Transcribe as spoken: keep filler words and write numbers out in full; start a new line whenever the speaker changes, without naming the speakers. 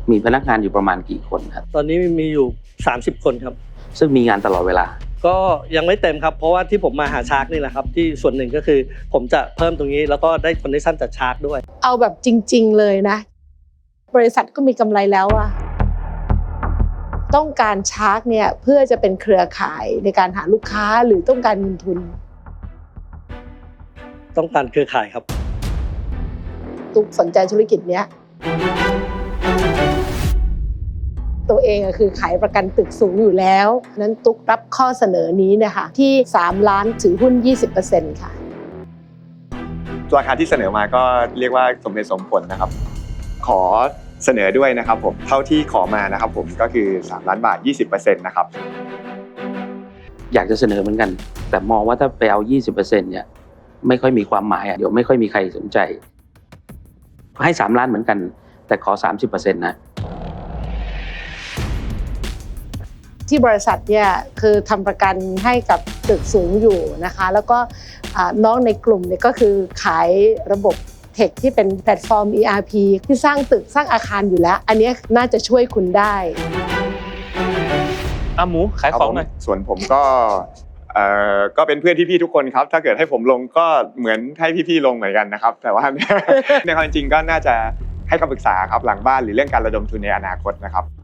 มีพนักงานอยู่ประมาณกี่คนครับ
ตอนนี้มีอยู่สามสิบคนครับ
ซึ่งมีงานตลอดเวลา
ก็ยังไม่เต็มครับเพราะว่าที่ผมมาหาชาร์กนี่แหละครับที่ส่วนหนึ่งก็คือผมจะเพิ่มตรงนี้แล้วก็ได้คอนเนคชั่นจากชาร์กด้วย
เอาแบบจริงๆเลยนะบริษัทก็มีกำไรแล้วอะต้องการชาร์กเนี่ยเพื่อจะเป็นเครือข่ายในการหาลูกค้าหรือต้องการเงินทุน
ต้องการเครือข่ายครับ
ตุ๊กสนใจธุรกิจเนี้ยตัวเองก็คือขายประกันตึกสูงอยู่แล้วนั้นตุ๊กรับข้อเสนอนี้เนี่ยค่ะที่สามล้านถือหุ้น ยี่สิบเปอร์เซ็นต์ ค่ะ
ราคาที่เสนอมาก็เรียกว่าสมเหตุสมผลนะครับขอเสนอด้วยนะครับผมเท่าที่ขอมานะครับผมก็คือสามล้านบาท ยี่สิบเปอร์เซ็นต์ นะครับ
อยากจะเสนอเหมือนกันแต่มองว่าถ้าไปเอา ยี่สิบเปอร์เซ็นต์ เนี่ยไม่ค่อยมีความหมายอ่ะเดี๋ยวไม่ค่อยมีใครสนใจให้สามล้านเหมือนกันแต่ขอ สามสิบเปอร์เซ็นต์ นะ
ที่บริษัทเนี่ยคือทำประกันให้กับตึกสูงอยู่นะคะแล้วก็น้องในกลุ่มเนี่ยก็คือขายระบบเทคที่เป็นแพลตฟอร์ม อี อาร์ พี ที่สร้างตึกสร้างอาคารอยู่แล้วอันนี้น่าจะช่วยคุณได้
อ่ะหมูขายของหน่อย
ส่วนผมก็เอ่อก็เป็นเพื่อนพี่ๆทุกคนครับถ้าเกิดให้ผมลงก็เหมือนให้พี่ๆลงเหมือนกันนะครับแต่ว่าในความจริงก็น่าจะให้คำปรึกษาครับหลังบ้านหรือเรื่องการระดมทุนในอนาคตนะครับ